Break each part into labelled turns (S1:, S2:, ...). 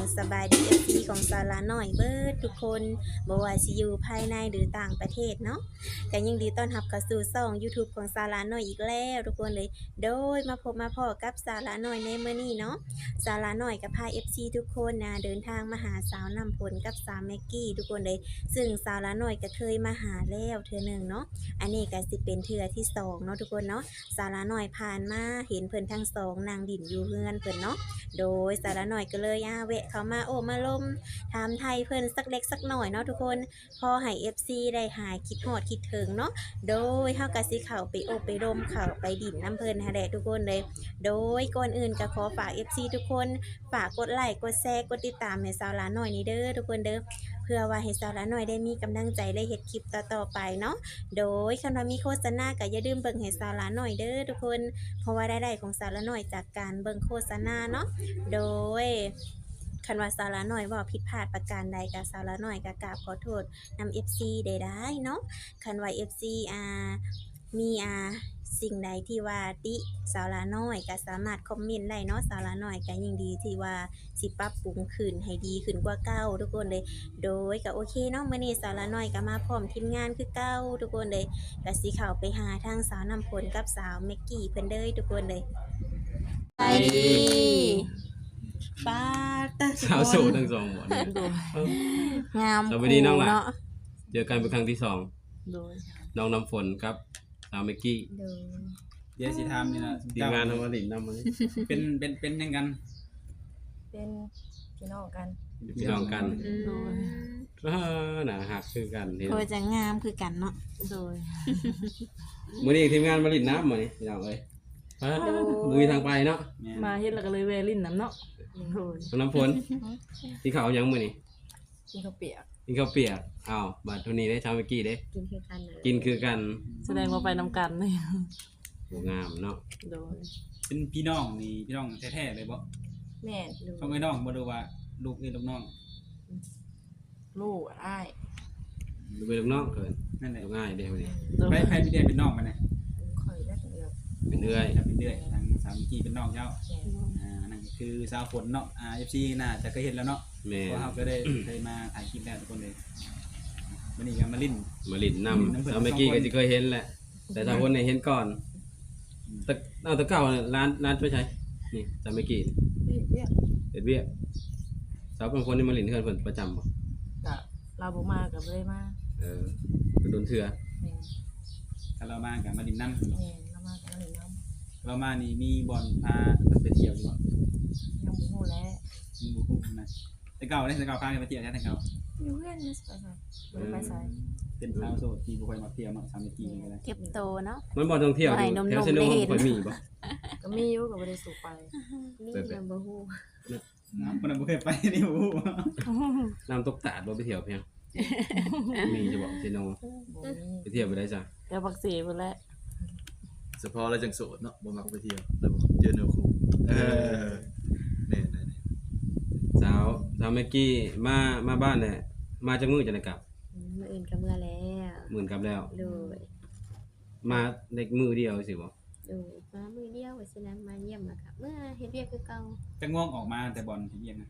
S1: สบายดี FC ของสาระน้อยเบิดทุกคนบ่ว่าสิอยู่ภายในหรือต่างประเทศเนาะก็ยินดีต้อนรับเข้าสู่ช่อง YouTube ของสาระน้อยอีกแล้วทุกคนเลยโดยมาพบมาพ้อกับสาระน้อยในมื้อนี้เนาะสาระน้อยก็พา FC ทุกคนนะเดินทางมาหาสาวนำผลกับสาวแม็กกี้ทุกคนเลยซึ่งสาระน้อยก็เคยมาหาแล้วเทื่อหนึงเนาะอันนี้ก็สิเป็นเทื่อที่สองเนาะทุกคนเนาะสาระน้อยผ่านมาเห็นเพิ่นทั้งสองนางดิ่นอยู่เฮือนเพิ่นเนาะ โดยสาระหน่อยก็เลยแวะเข้ามาโอ้มาลมถามไทยเพิ่นสักเล็กสักหน่อยเนาะทุกคนพอให้ FC ได้หายคิดฮอดคิดถึงเนาะโดยเฮาก็สิเข้าไปโอบไปลมเข้าไปดิ่นน้ำเพิ่นหาแหละทุกคนเลย โดยก่อนอื่นก็ขอฝาก FC ทุกคนฝากกดไลค์กดแชร์กดติดตามให้สาวหลาน้อยนี่เด้อทุกคนเด้อเพื่อว่าให้สาวหลาน้อยได้มีกำลังใจได้เฮ็ดคลิปต่อๆไปเนาะโดยคันว่ามีโฆษณาก็อย่าลืมเบิ่งให้สาวหลาน้อยเด้อทุกคนเพราะว่ารายได้ของสาวหลาน้อยจากการเบิ่งโฆษณาเนาะ โดยคันว่าสาระน้อยเว่าผิดพลาดประการใดกับสาระน้อยก็กราบขอโทษนำ FC ได้เนาะคันว่า FC มีสิ่งใดที่ว่าติสาระน้อยก็สามารถคอมเมนต์ได้เนาะสาระน้อยก็ยิ่งดีที่ว่าสิปรับปรุงขึ้นให้ดีขึ้นกว่าเก่าทุกคนเลย โดยก็โอเคเนาะมื้อนี้สาระน้อยก็มาพร้อมทีมงานคือเก่าทุกคนเลยก็สิเข้าไปหาทางสาวนำผลกับสาวแม็กกี้เพิ่นเด้อทุกคนเลยไปดีป้าตา
S2: สาวโสดทั้งสองหมดเลย
S1: งาม
S2: สวัสดีน้องหลาน
S1: เนาะ
S2: เจอกันเป็นครั้งที่สอง
S3: โดย
S2: น้องน้ำฝนครับสาวเมกกี้
S1: โดย
S4: เดี๋ยวสิทามนี่นะ
S2: ทีมงานทำมาหลินนำมานี่
S4: เป็นยังกัน
S3: เป็นพี่น้องกัน
S2: พี่น้องกัน
S3: โดย
S2: หนาหักคือกันเห็น
S1: โคจะงามคือกันเนาะ
S3: โดย
S2: มื้อนี้ทีมงานมาหลินน้ำมานี่พี่น้องเอ้ยมือทางไปเนาะ
S4: แม่
S3: มาเฮ็ดแล้วก็เลยแวะลิ้นน้ำเนาะโดย
S2: น้องน้ำฝนที่เขาวยังมื้อนี้
S3: กินข้าวเปียก
S2: กินข้าวเปียกอ้าวบัดเท่านี้ได้สาวเมกกี้เด้
S1: กินคือกันน่ะ
S2: กินคือกัน
S3: แสดงว่าไปนำกันเลย
S2: โหงามเนาะ
S3: โดย
S4: เป็นพี่น้องนี่พี่น้องแท้ๆเลยบ่
S3: แม่
S4: ต้องไอ้น้องบ่ดูว่าลูกนี่ลูกน้อง
S3: ลูกอ้าย
S2: ดูไปลูกน้องเกิน
S4: นั่นแหละ
S2: ดูง่ายเด้มื้อนี้
S3: โดย
S4: ไปพี่เดียเป็นน้องมันน่ะ
S3: ข่อยและเดียว
S2: เป็นเอื้อย
S4: เป็นเดือยทางสามีกี้เป็นน้องเจ้านั่นคือสาวฝนเนาะFC น่าจะเคยเห็นแล้วเนาะ
S2: แม่
S4: เพราะเฮาก็ได้เคยมาถ่ายคลิปแล้วทุกคนเลยวันนี้ก็มาลิ้น
S2: มาหลินนำสาวเมกกี้ก็สิเคยเห็นแหละ แต่สาวคนเนี่ยเห็นก่อนแต่เอาแต่เก่าเนี่ยร้านไปใช้นี่สาวเมกกี้
S3: เรียก
S2: เฮ็ดเวียกสาวเป็นคนที่มาหลินเฮือนเพิ่นประจำบ่
S3: กับลาบ่มากับบ่ได้มา
S2: ไปโดนเถื่อ
S3: แม่
S4: ถ้าเรามากับมาลิ้นน้ำ
S3: แม่เรามากับลิ้นน้ำ
S4: เรามานี่มีบ่อนพาไปเที่ยวอยู่บ่
S3: ยังบ่ฮู้แล้ว
S4: มีบ่ฮู้นะแต่เก่าได้แต่เก่าพาไปเที่ยวแต่เก่า
S3: อยู่เพื่อนนี่ไปใส่บ่ได้ไปใส่
S4: เป็นสาวโสดที่บ่ค่อยมาเที่ยวเนาะสามีกี้นี่ก็ได้
S1: เก็บโตเนาะ
S2: มันบ่ท่องเที่ยวอ
S1: ให้
S2: ยู่
S1: นมๆ
S2: แถวเซโน
S1: ได้เห็น
S2: ค่อยมีบ่
S3: ก็มีอยู่ก็บ่ได้สู่ไป
S1: นี่ยังบ่ฮู้
S4: คนนั้นบ่เคยไปนี่บ่ฮู้
S2: น้ำตกตาดบ่ไปเที่ยวเพียงมีจะบอกเซโน
S3: บ่มี
S2: ไปเที่ยวไปได้จ้ะ
S3: แต่บักเสพุ่นแหละ
S5: เฉพาะเราจังโสดเนาะบ่มักไปเที่ยวแล้วเจอแนวคู่แน่ๆ
S2: สาวเมกกี้มาบ้านเนี่ยมาจากมื้อจังได๋กลับ
S1: มื้ออื่นก็เมื่อแล้ว
S2: มื้อกลับแล้ว
S1: โดย
S2: มาเด็กมื้อเดียวสิบ่
S1: โดยมามื้อเดียวว่าสินะมาเยี่ยมแล้วก็เมื่อเฮ็ดเวียกคือเก่า
S4: จังม่วงออกมาแต่บอลเที่ยงนะ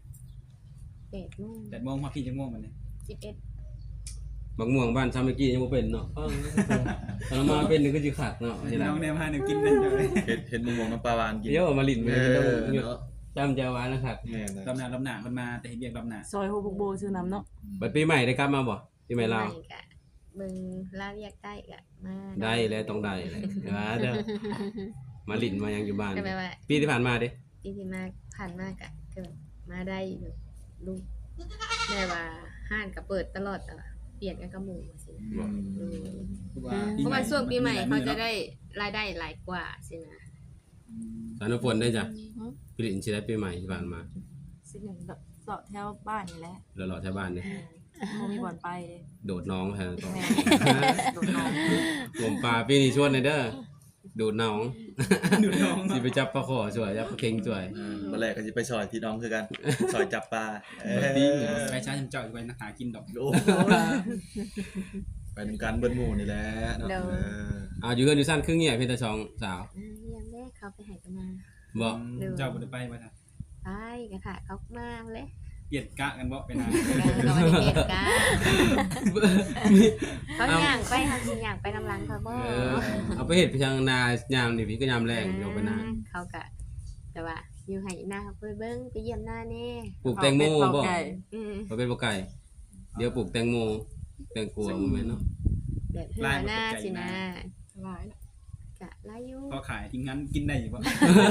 S1: 8:00 น
S4: 8:00 นมาพี่จังม่วงมันเลย
S1: 11
S2: บักม่วงบ้านสาวเมกกี้ยังบ่เป็นเนาะตอนมาเป็นนี่ก็สิขาดเนาะทีหลัง
S4: น้องแนวพาแนวกินได้เลย
S5: เห็นมุมมองน้ำปลาหวานกิน
S2: เดี๋ยวมาลิ้นไป
S5: เอ
S2: ต้อง
S5: อ
S2: หยุด
S5: เนาะ
S2: จำจะหวานนะครับ
S5: แม่นะ
S4: ลำหนามันมาแต่เห็นเรียกลำหนา
S3: ซอยโฮบุกโบชื่อน้ำเนาะ
S2: บัดปีใหม่ได้กลับมาบ่ปีใหม่ลาว
S1: ก็เบิ่งลาวอยากได้ก็มา
S2: ได้แล้วต้องได้เลยว่าเด้อมาลิ้นมายังอยู่บ้าน
S1: ก็แปลว่า
S2: ปีที่ผ่านมาเด้
S1: ปีที่มาผ่านมาก็คือมาได้แบบลูกแม่ว่าห้านก็เปิดตลอดแต่ว่าเปลี่ยนกันกับหมู่ว่าสินะ เพราะว่าช่วงปีใหม่เขาจะได้รายได้หลายกว่าสินะ
S2: สารฝนได้จ้ะปีลิ้นสิได้ปีใหม่ที่ผ่านมา
S3: สิหนึ่งเสาะแถวบ้านนี่แหละ
S2: แล้วรอแถวบ้านนี่
S3: บ่มีบ่อนไปเลย
S2: โดดน้องแทนต่อ
S3: แม่โดดน้อง
S2: ผมปลาปีนี้ชวนเลยเด้อดูดน้อง
S4: ดูน้อง
S2: สิไปจับปลาขอสวยจับปลาเค็งสวย
S5: มาแรกก็สิไปซอยพี่น้องคือกันซอยจับปลา
S4: ไปช้าจำเจ้าอยู่ไปนักหากินดอก
S5: โอ้ไปนำกันเบิ้ลหมู่นี่แหละเนาะ
S2: อยู่เฮือนอยู่สั้นครึ่งเงียบเพิ่นแต่สองสาว
S1: ยังแม่เขาไปหายกันมา
S2: บ่
S4: เจ้าบ่ได้ไปว่าจ้ะ
S1: ไปกระถาเขามาเลย
S4: เปลี่ยนกะกันบ่ไปนาน
S1: ก็บ่ได้เฮ็ดกะเขาย่างไปเฮาสิย่างไปนำหลังเขาบ่
S2: เอาไปเฮ็ดไปทางนายามนี่พี่ก็ยามแรงอยู่ไปนา
S1: เขาก็แต่ว่าอยู่ให้หน้าเขาไปเบิ่งไปเยี่ยมหน้าแน่
S2: ปลูกแตงโมบ่
S3: ไก่
S1: อืม
S2: บ่เป็นบ่ไก่เดี๋ยวปลูกแตงโมแตงกวาบ่แม่นเนาะ
S1: แบบเฮือหน้าสินะ
S3: หลายแล้ว
S1: กะลายอยู่
S4: พอขายทิ้งงั้นกินได้อยู่บ่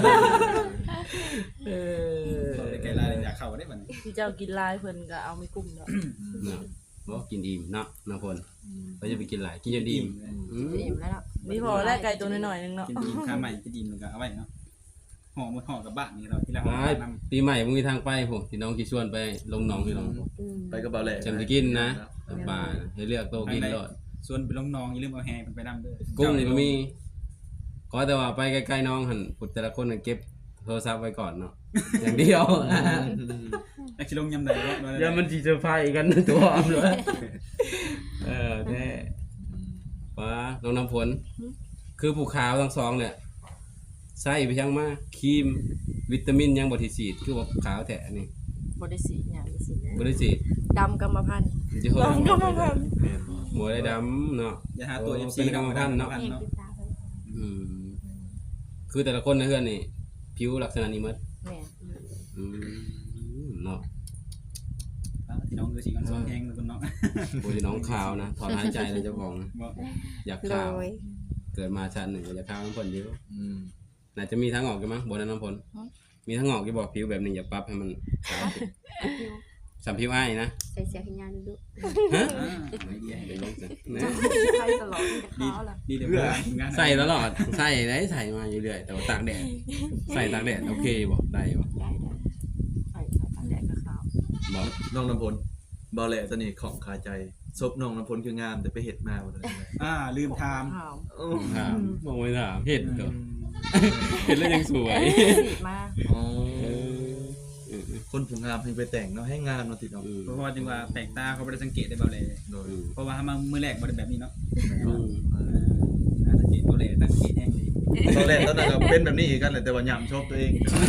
S2: เออ
S4: ไก่ลายอยากเข้าได้บัดนี้
S3: ที่เจ้ากินลายเพิ่นก็เอาไม่กุ้มเนาะ
S2: เนาะบ่กินอิ่มเนาะน้ำพลก็จะไปกินหลายกินจนอิ่มอืม
S3: อิ่มแล้วเนาะมีพอแล้วไก่ตัวน้อยๆนึงเนาะ
S4: กินดีข้าใหม่กินดีมันก็เอาไว้เนาะห่อหมดห่อกับบ้านนี่เราที่เรา
S2: ไปปีใหม่มึงมีทางไปผมพี่น้องที่ชวนไปลงหนองพี่น้อง
S1: อืม
S5: ไปกับเบาแหล่
S2: จำจะกินนะป่าให้เลือกโตกินรอด
S4: ส่วนไปลงน้องอย่าลืมเอาแฮมันไปนำเด้อ
S2: กุ้งนี่ก็มีก็แต่ว่าไปใกล้ๆน้องหั่นพุทธแต่ละคนน่ะเก็บโทรศัพท์ไว้ก่อนเนาะอย่างเดียว
S4: อยากสิลงยำใดบ่
S2: อย่ามันสิเซอร์ไพรส์กันตัวอ้อมเลยแท้ป้าน้องน้ำฝนคือผู้ขาวทั้งสองเนี่ยใส่ไปยังมาครีมวิตามินยังบ่ที่ฉีดคือว่าขาวแท้นี่
S3: บ่ได้สีหยัง
S1: สินะ
S2: บ่ได้ฉีด
S3: ดำกรรมพันธุ์
S2: จะโห
S3: ดำกรรมพันธุ์
S5: แม่นบ่
S2: หัวได้ดำเนาะ
S4: อย่าหาตัว FC
S2: เป็นกรรมพันธุ์เนาะ
S1: แม่งติดตาเพิ่น
S2: อืมคือแต่ละคนในเฮือนนี่ผิวลักษณะนี้หมด
S3: แม่
S2: อืมเนาะ
S4: พี่น้องคือสิกันซ้อนแฮงคุณเนาะ
S2: โอ้ยน้องขาวนะถอนหายใจเลยเจ้าของ
S4: บ่
S2: อยาก
S1: โด
S2: ขาวย เกิดมาชาติหนึ่งก็อยากขาวน้ำฝนเยอะ
S5: อืม
S2: น่าจะมีทางออกกันมั้งบนนั้นน้ำฝนมีทางออกที่บอกผิวแบบนี้อย่าปรับให้มันขาวขึ้นสัมผิวอ้ายนะ
S1: ใส่เสียขยันดู
S2: ฮะ
S4: ไม่ดี
S2: เดี๋ยวลงสินะ
S3: ใช้ตลอดที่จะขาวล่ะ
S4: ดีเดี๋ยวงาน
S2: ใส่ตลอดใส่ได้ใส่มาอยู่เรื่อยแต่ว่าตากแดดใส่ตากแดดโอเคบ่ได้บ่
S3: ได้ใส่ตาแดงก็ขาว
S2: บ่
S5: น้องน้ำพลเบาแหล่ตอนนี้ของคาใจซบน้องน้ำพลคืองามแต่ไปเฮ็ดมาบ่ได้
S4: ลืมถาม
S3: ขาว
S2: ถามบ่ไม่ถามเห็ดก็เห็ดแล้วยังสวย
S3: สีมา
S5: อ๋อคนผู้งามให้ไปแต่งเนาะให้งามเนาะติดเนาะ
S4: เพราะว่าจึงว่าแปลกตาเขาบ่ได้สังเกตได้เบาเลย
S5: โดย
S4: เพราะว่ามามื้อแรกบ่ได้แบบนี้เนาะ
S2: อืม
S4: สังเกตเบาเลยตั้งเกตแห้งดี
S5: ตอนแรกตอนนั้นก็เป็นแบบนี้อีกกันแหละแต่ว่าย่ำชอบตัวเอง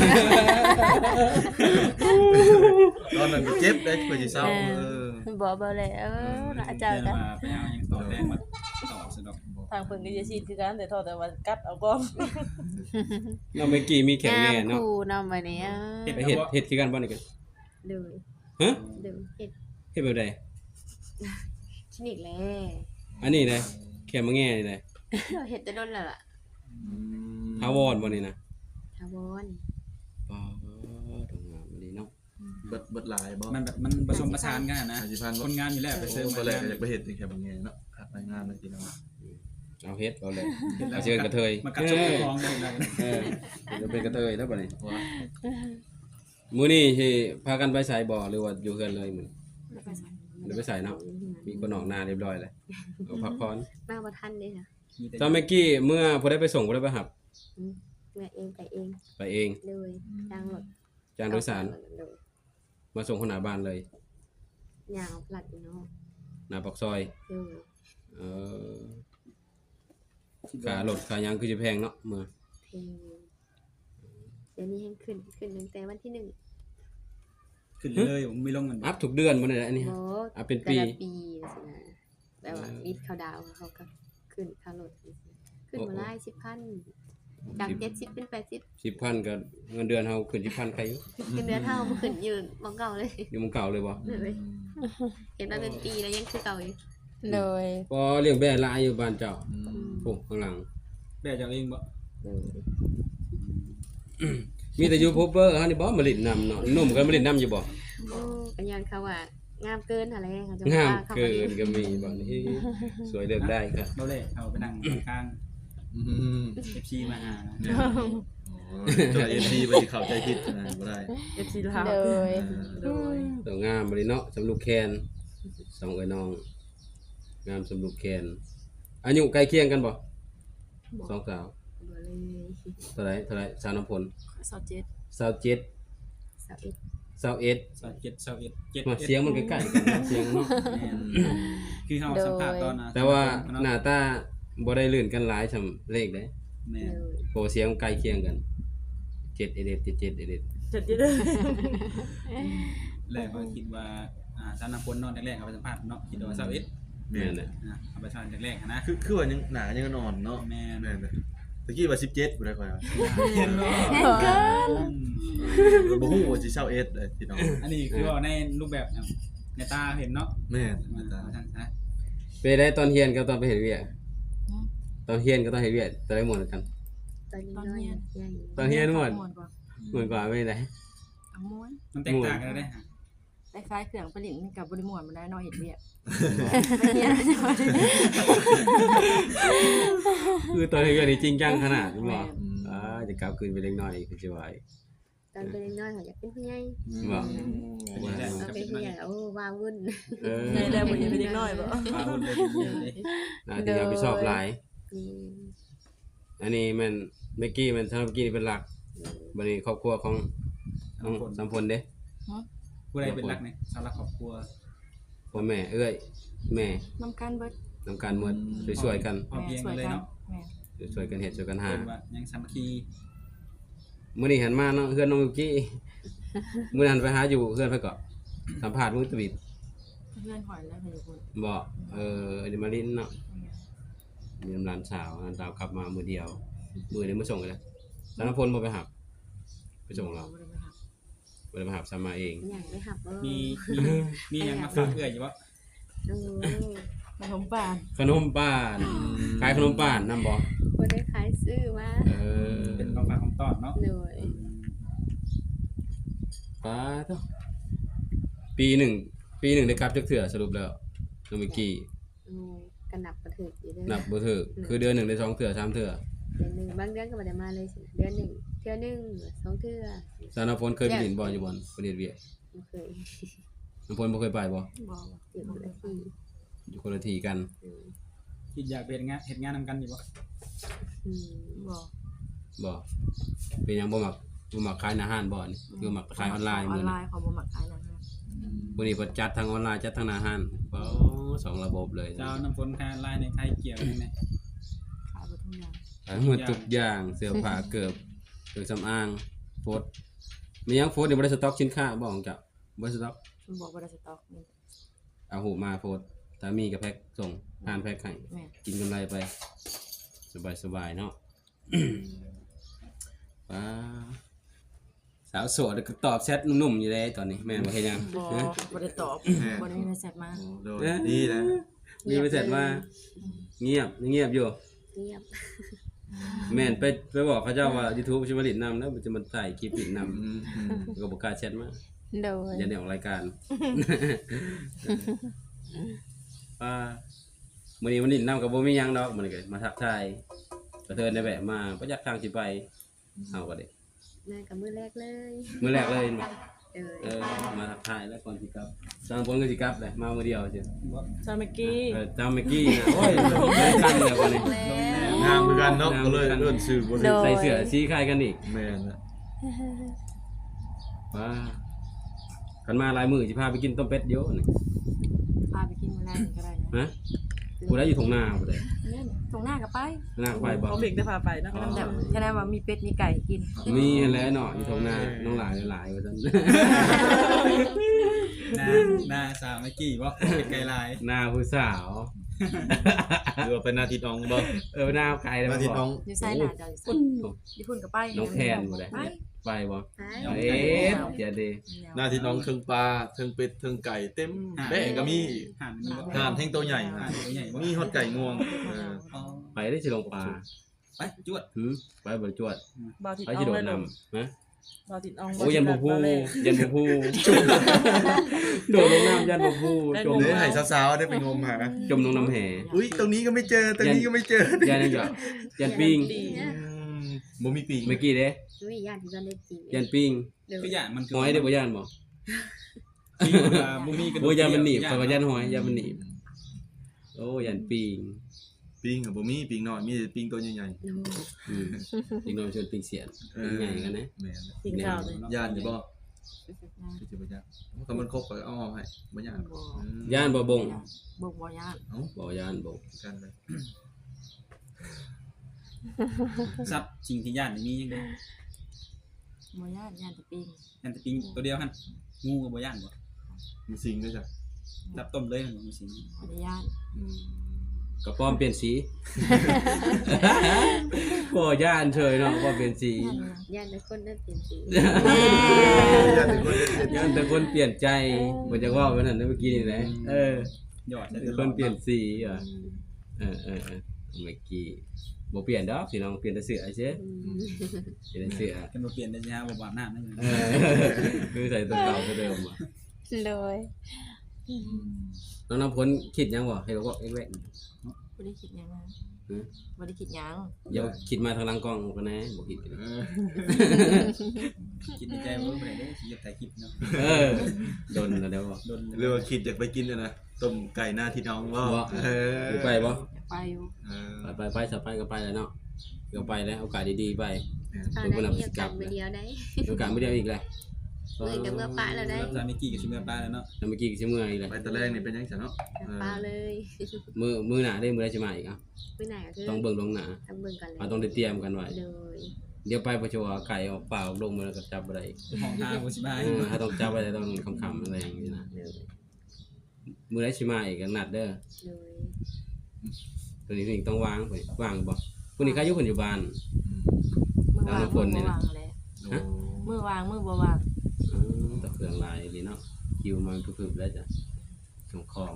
S5: ตอนนั้นก็เจ็บได้เพื่อสิเศร้า
S1: บ่แล้วอาจารย์
S4: เดิ
S1: ก็
S4: นมาไปเอายังต่อแรงมาต่อสะดอก
S3: ทางเพิ่นก็จะฉีดคือกันแต่แต่ว่ากัดเอาก้อน
S2: เราเมื่อกี้มีแขกแน่เนาะ
S1: ครูนำมาเนี่ย
S2: ไปเห็ดคือกันบ่นี่กัน
S1: ดู
S2: ฮะ
S1: ดูเฮ็ด
S2: เฮ็ดแบบใด
S1: คลินิกแล
S2: อันนี้เลยแค่มาแง่นี่เลย
S1: เราเฮ็ดแต่โดนแล้วล่ะ
S2: ทาวรบ่นี่นะ
S1: ทาวร
S2: ป้าดงงามดีเนาะ
S5: เบิดหลายบ่
S4: มันแบบมันผสมประสานกันนะ
S5: 50,000
S4: คนงานอยู่แล้วไปเสริม
S5: ตอนแรกก็อยากไปเฮ็ดนี่แค่บางแง่เนาะขาดรายงานเลยทีเนาะ
S2: เอาเฮ็ดเอาเลยเอาเชิญกระเทย
S4: มากัดชกคองได้เลย
S2: เออจะเป็นกระเทยแล้วบ่นี่
S5: ว่า
S2: มื้อนี้สิพากันไปไสบ่หรือว่าอยู่เฮือนเลยมื้อเดี๋ยวไปไสเนาะมีคนออกหน้าเรียบร้อยแล้วเอาพักผ่อน
S1: มาบ่ทันเด้ค่ะ
S2: ตอนเมื่อกี้เมื่อผู้ใดไปส่งผู้ใดไปหับ
S1: แม่เองไปเอง
S2: ไปเอง
S1: เลยจ้างรถ
S2: จางโดยสาร
S1: เลย
S2: มาส่งคนหน้าบ้านเลย
S1: ยาวพลัดอยู่เนาะ
S2: หน้าปากซอย
S1: เลย
S2: เออค่ารถค่าหยังคือสิแพงเนาะเมื่อ
S1: เพลงเดี๋ยวนี้ให้ขึ้นตั้งแต่วันที่1
S4: ขึ้นเลยผมไม่ลงมัน
S2: อัพทุกเดือนบ่ได้อันนี้
S1: โอ้
S2: อัพเป็นปี
S1: แต่ละปีสินะแบบว่าวิทย์เขาดาวเขาก็ขึ้นค่ารถขึ้นมาไล่10,000จาก70เป็น80
S2: 10,000ก็เงินเดือนเฮาขึ้น10,000ใครอยู่
S1: ขึ้นเดือนเท่าบ่ขึ้นยืนมองเก่าเลย
S2: อยู่หมู่เก่าเลยบ่
S1: เลยเห็นมาเป็นปีแล้วยังคือเก่าอยู่
S3: เลย
S2: พอเลี้ยงแบ่หลายอยู่บ้านเจ้าโอ้ข้างหลัง
S4: แบ่เจ้าเองบ่
S1: เลย
S2: มีแต่ยูทูบเบอร์เฮานี่บ่มาเล่นนำเนาะหนุ่มก็มาเล่นนำอยู่บ่
S1: โอ้กันยันเขาว่างามเกินอะไรเขาจะ
S2: งาม
S1: เขา
S2: เกินก็มีบ่นี่สวยเลือกได้ครับ
S4: เบาเลยเอาไปนั่งข้าง FC มาหา
S5: จอยFC บ่สิเข้าใจผิดนะบ่ได้
S3: FC ลาว
S1: เลย
S3: เลย
S2: ตัวงามบ่นี่เนาะสำลูกแคนสองเอ้ยน้อง งามสำลูกแคนอายุใกล้เคียงกันบ่สองสาว
S1: บ่เลย
S2: เท่าไหร่สาวน้ำพล
S3: 27
S2: 27
S1: สาวเอ็ด
S2: 21
S4: 27
S2: มาเสียงมันใกล้ๆกันเนาะเสียงเนาะ
S4: คือเฮาสัมภาษณ์ตอนนะ
S2: แต่ว่าหน้าตาบ่ได้ลื่นกันหลายซำเลขเด้
S4: แม่
S1: เลย
S2: โปรเสียงใกล้เคียงกัน7 เอเด7 7 เอเด
S3: จะได้
S4: แรกว่าคิดว่าสาวน้ำฝนเนาะแรกๆเอาไปสัมภาษณ์เนาะคิดว่า21
S5: แม่นเลย
S4: เอาไปสัมภาษณ์แรกๆนะ
S5: คือว่ายังหนายังนอนเนาะ
S4: แม่น
S5: แม่นเลยตะกี้ว่า17บ่ได้ค่อยว่า
S4: เห็นบ่
S1: เกิน
S5: บ่ฮู้ว่าสิ21เลยพี่น้อง
S4: อันนี้คือว่าในรูปแบบในตาเห็นเนาะ
S5: แม่น
S4: มาทางนะ
S2: ไปได้ตอนเฮียนกับตอนไปเฮ็ดเวียกตอนเฮียนกับตอนเฮ็ดเวียกตอนได้หมดกัน
S1: ตอนนี้น้อยใหญ่
S2: ตอนเฮียนหมด
S3: ม่วนกว่า
S2: เหมือนกว่าไม่ได้
S3: เอาม้วน
S4: มันแตกต่างกันได้ฮะ
S3: แต่คล้ายเครื่องผลิตกับบริม่วนมันได้น้อยเห็ดเวียก
S2: คือตอนเฮ็ดเวียกนี่จริงจังขนาดนี้บ่จะกลับคืนไปเล็กน้อยคือสิว่า
S1: ตอนเป็นน้อยเขาอยากเป็นผู้ใหญ่
S2: บ่
S1: เอาเป็นผู้ใหญ่โอ้ว้าวุ่น
S3: ในแล้วบ่เห็นเป็นเด็กน้อยบ่
S4: ปลาหุ่นเลย
S2: น่าจะรับผิดชอบหลาย
S1: นี่
S2: อันนี้มันเมื่อกี้มันทำเมื่อกี้นี่เป็นหลักบัดนี้ครอบครัวของน้องสัมพลเด้
S4: ผู้ใดเป็นรักเนี่ยสาวรักครอบครัว
S2: พ่อแม่เอ้ยแม่
S3: น้ำกันเบิด
S2: นำการหมดช่วยๆกัน
S4: พอเพียงกันเลยเนาะ
S3: แม่
S2: ช่วยๆกันเฮ็ดช่วยกันหา
S4: เป็นว่ายังสามัคคี
S2: มื้อนี้หันมาเนาะเฮือนน้องเมื่อกี้มื้อนั้นไปหาอยู่เฮือนเพิ่นก็สัมภาษณ์มื้อตะบิด
S3: เพื่อนหอยแล้วเพิ่นอยู่พุ่น
S2: บ่เดี๋ยวมาลิ้นเนาะมีน้ำร้านสาวร้านสาวขับมามื้อเดียวมื้อนี้มาส่งเลยสารพลบ่ไปหับไปส่งเรา
S3: บ่ได้ไปหา
S2: บ่ได้มาหับซ้ำมาเอง
S1: อยากไปหับเออ
S4: มียังมาฝากเอื้อยอยู่บ่
S1: โอ้
S3: ขนมป่าน
S2: ขนมป้านขายขนมป้านนำบ่
S1: คนได้ขายซื้อมา
S4: เป็นของฝากของต้อนเนาะ
S1: หน่วย
S2: ป้าเด้อปีหนึ่งได้กลับจักเทื่อสรุปแล้วน้องเมื่อกี้
S1: โอ้กันนับกระถึกอยู่เด้
S2: นับบ่ถูกคือเดือนหนึงได้2เทื่อ3เทื่อ
S1: เดือนหนึ่งบางเดือนก็บ่ได้มาเลยสิเดือนหนึ่งเทื่อหนึ่งสองเทื่อ
S2: สารพลเคยไปดินบ่อยู่บ่ประเทศเวียด
S1: บ่เคย
S2: น้ำพลบ่เคยไปบ่
S3: บ่
S1: อยู่คนละที่
S2: อยู่คนละที่กัน
S4: คิดอยากเป็นงานเฮ็ดงานนำกันอยู่บ่
S1: อืม
S3: บ่
S2: บ่เป็นหยังบ่มักขายอาหารบ่นี่คือมักขายออนไลน์
S3: ออ
S2: มื้อน
S3: ไล
S2: นี้
S3: น์เขาบ่มักขายนะฮะ
S2: มื้อนี้เพิ่นจัดทั้งออนไลน์จัดทั้งอาหารบ่สองระบบเลย
S4: เจ้าน้ำฝนคาลายในไทยเกี่ยวนี่แม่
S3: ขายบ่ทุกอย่าง
S2: ทั้งหมดทุกอย่างเสื้อผ้าเกือบเครื่องสำอางโฟดมีหยังโฟดนี่บ่ได้สต็อกสินค้าบ่ของเจ้าบ่ได้สต็อก
S3: มันบอกบ่ได้สต็อกนี่
S2: เอาหูมาโฟดถ้ามีก็แพ็คส่งผ่านแพ็คให้
S3: แม่
S2: กินกำไรไป สบายๆเนาะ ป้าสาวโสดก็ตอบแชทหนุ่มๆอยู่เลยตอนนี้แม่นบ่เฮ็ดหยัง
S3: บ่
S2: ฮะ
S3: บ่ได้ตอบบ่ได้มีเมสเสจมา
S5: โดยดีนะ
S2: มีไปเสร็จมาเงียบอยู่
S1: เงียบ
S2: แม่นไปบอกเขาเจ้าว่า YouTube สิมาลิดนำแล้วมันจะมาถ่ายคลิปลิดนำก็บ่กล้าแชทมา
S1: โดย
S2: อย่าได้ออกรายการ ป้ามื้อนี้มันลิดนำก็บ่มีหยังดอกมื้อนี้ก็มาทักทายกระเทินได้แวะมาบ่อยากทางสิไปเอาก็ได้
S1: น่ากับมือแรกเลย
S2: มื้อแรกเลยมา
S1: เ
S2: มาทักทายแล้วก่อนสิกลับสร้างผลก็สิกลับเลยมามื้อเดียวจ้ะ
S3: ซาเมกกี้
S2: จำเมื่อกี้นะโอ้ยไม่ได้กันเลยวันนี้
S5: งามคือกันเนาะก็เลยเอิ้นชื่อบ่ได้
S2: ใส่เสื้อสีคล้ายกันอีก
S5: แม่นนะ
S2: ว้ากันมาหลายมื้อสิพาไปกินต้มเป็ดเดี๋ยวนี่
S3: พาไปกินมื้อแรกก็ได้นะ
S2: ฮะผู้ใดอยู่ตรงหน้าผู้ใด
S3: เนี่ยตรงหน้าก็ไป
S2: หน้าไปบ่
S3: เขาเบรกได้พาไปนะแต่แค่นั้นว่ามีเป็ดมีไก่กิน
S2: มีแหล้วเนาะอยู่ตรงหน้าน้องหลายหลายว่าซั่น
S4: หน้าสาวเมื่อกี้บ่เป็นไกลลาย
S2: หน้าผู้สาว
S5: หรือว่าเป็นหน้าที่น้องบ่
S2: หน้าไกลแล้ว
S5: หน้าที่น้อง
S3: อยู่ไสหน้าเจ้าอยู่ไสอยู่พุ่นก็ไป
S2: น้องแทนบ่ได้
S3: ไป
S2: ไปบ่
S1: ไป
S2: เอ๊ะเดี๋ยวดิ
S5: หน้าที่น้องเทิงปลาเทิงเป็ดเทิงไก่เต็มแบะก็มี
S4: ห่านมีบ่
S5: ห่านแท่งตัวใหญ่
S4: ห่านตัวใหญ่บ่
S5: มีฮอดไก่งวง
S4: อ๋อ
S2: ไปได้สิลงปลา
S4: ไปจวด
S2: ไปบ่จวด
S3: บ่าวติด
S2: ไป
S3: เอา
S2: สิโดด
S3: เลย
S2: นำนะ
S3: บ่าวติดเอา
S2: โอ้ยันบ่พูยันบ่พูโดดลงน้ำยันบ่พูจม
S5: เดี๋ยวให้สาวๆได้ไปงมหา
S2: จมลงน้ำแห่
S5: อุ้ยตรงนี้ก็ไม่เจอตรงนี้ก็ไม่เจอ
S2: ยันนี่ก็ยันปิ้ง
S5: บ่มีปีก
S2: เมื่อกี้เด้
S1: ไม่ญาติที่กันได้จริง
S2: ยันปิ้ง
S1: เดี๋ยว
S4: คืออย่างมันคือ
S2: หอยได้บ่ยันบ่
S4: ปีบ่มีกระดูก
S2: โอ้ยันมันหนีบเพราะว่ายันหอยยันมันหนีบโอ้ยันปิ้ง
S5: ปีกก็บ่มีปีกน้อยมีแต่ปีกตัวใหญ่
S1: โอ้
S2: อืมอีกหน่อยชวนปิ้งเสียน
S5: ๆ
S2: ปิ้งใหญ่กันนะ
S5: แม่น
S3: กินข้าวเลย
S5: ย่านอยู่บ่คือสิบ่ย่านถ้ามันครบก็เอาออกให้บ่ย่าน
S2: ย่านบ่บง
S3: บ่บ่ย่าน
S5: เอ้า
S2: บ่ย่านบ่
S5: กันเลย
S4: ซับจริงที่ย่านนี่มีจังได๋
S3: บ่ย่านย่านแต่ปิ้ง
S4: ย่านแต่ปิงตัวเดียวหั่นงูก็บ่ย่านบ่
S5: มีสิ่งด้วยจ้ะ
S4: รับต้มเลยมันบ่สิ
S3: บ่ได้ย่าน
S5: อืม
S2: กระป้อมเปลี่ยนสีบ่ย่านเฉยเนาะป้อมเปลี่ยนสี
S6: ย่านแต่คนนั้นเปลี่ยนสี
S5: อยากเป็นคนเล่น
S2: ย่านแต่คนเปลี่ยนใจบ่จะว่าว่านั่นนะเมื่อกี้นี่แหละ
S4: ยอดใช่
S2: แต่คนเปลี่ยนสีอ่ะเมื่อกี้บ่เปลี่ยนดอกพี่น้องเปลี่ยนแต่เสื้อเฉยเปลี่ยนแต่เสื้อ
S4: กันบ่เปลี่ยนได้สิฮะบ่อาบน้ำนั่น
S2: คือใส่ตัวเก่าตัวเดิมอ่ะ
S1: โดย
S2: น้องน้ำพ้นคิดยังบ่ให้เราก็เอ็กแวก
S3: บ่ได้คิดหยังนะ
S2: หือ
S3: บ่ได้คิดหยัง
S2: เดี๋ยวคิดมาทางหลังกล้องกันนะบ่คิดกัน
S4: คิดในใจว่าบ่ได้เด้สิเฮ็ดถ่ายคลิปเนาะ
S2: โดนแล้วเดี๋ยวบ่
S4: โดน
S5: เรียกว่าคิดอยากไปกินนะต้มไก่หน้าที่น้องว่า
S2: อยู่ไปบ่
S3: อยากไปอยู่
S2: ไปสบายก็ไปแล้วเนาะเดี๋ยวไปแล้วโอกาสดีๆไป
S6: เอา
S2: เพิ่น
S6: ได้
S2: บ่นำ
S6: มี
S2: สิ
S6: โอก
S2: ลั
S6: กา
S2: บ
S6: สมาเดียวได้
S2: โอกาสไม่ได้อีกเลย
S6: เมื่อกับเมื่อปะแล้วได้
S4: สามีกี้กับชิเมื่อป้าแล้วเนาะ
S2: แล้วเมื่อกี้ก็สิเมื่อยอีกเลย
S5: ไปตอนแรกนี่เป็นยังไงเนาะ
S6: ปะเลย
S2: มื้อหน้าได้มื้อใดสิมาอีกอ่ะ
S6: มื้อไหนก็คือ
S2: ต้องเบิ่งลงหน้า
S6: ทำเบิ่งกันเลย
S2: เราต้องได้เตรียมกันไว้
S6: โดย
S2: เดี๋ยวไปประชวไก่ออกเปล่าลงมาแล้วก็จับบ่ได้
S4: ห้อง5บ่สิบาย
S2: ถ้าต้องจับไว้ต้องคำๆอะไรอย่างนี้นะ
S6: โดย
S2: มื้อใดสิมาอีกก็นัดเด้อ
S6: โดย
S2: ตัวนี้สิ่งต้องวางไว้วางบ่ผู้นี้เขาอยู่คนอยู่บ้าน
S3: มื้อวาง
S2: แล้วคนนี่
S3: มื้อ
S2: นะ
S3: บ่วางแหละมื้อวางมื้อบ่วาง
S2: ต่อเครื่องลายนี่เนาะคิวมาพึบๆแล้วจ้ะส่งของ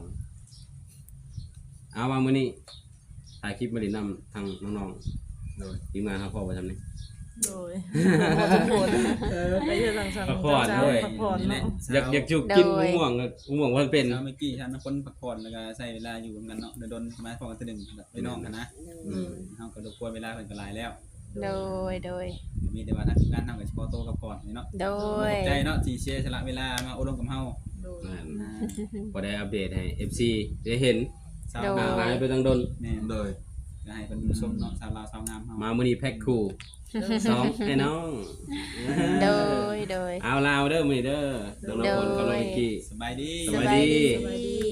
S2: เอาว่ามื้อนี้ถ่ายคลิปมาดินำทางน้องๆ
S5: โดย
S2: ทีมงานเขาพอไปทำนี่
S3: โดยบ่ทุกคนไปเฮ็ดทางสั่ง
S2: พักผ่อนด้วย
S3: พักผ่อน
S4: นี่แห
S3: เนาะ
S4: ละ
S2: อยากจุกกินม่วงม่วงว่าเป็น
S4: เช้าเมื่อกี้ฉันคนพักผ่อนแล้วก็ใช้เวลาอยู่กันเนาะโดนมาพอกันทีนึงไปน้องกันนะ
S6: โดย
S4: เฮาก็รบกวนเวลาเพิ่นก็หลายแล้ว
S1: โดย
S4: มีแต่ว่าทางทีมงานทำกับเฉพาะโตกับก่อนเนาะ
S1: โด
S4: ขอบใจเนาะที่เชียร์สละเวลามาอบรมกับเฮา
S3: โดย
S2: พอได้อัปเดตให้ FC ได้เห็น
S4: สาว
S1: โด
S4: งาม
S2: หายไปตั้งดน
S4: แม่
S5: โดย
S4: ก็ให้เพิ่นผู้ชมเนาะสาวลาวสาวงามเฮา
S2: มามื้อนี้แพ็คคู่ซ้อมให้น้อง
S1: โดย
S2: เอาลาวเด้อมื้อนี้เด้อน้องๆคนกับน้องเอกกี้
S4: สบายดี
S2: สบายดี
S1: สบายดี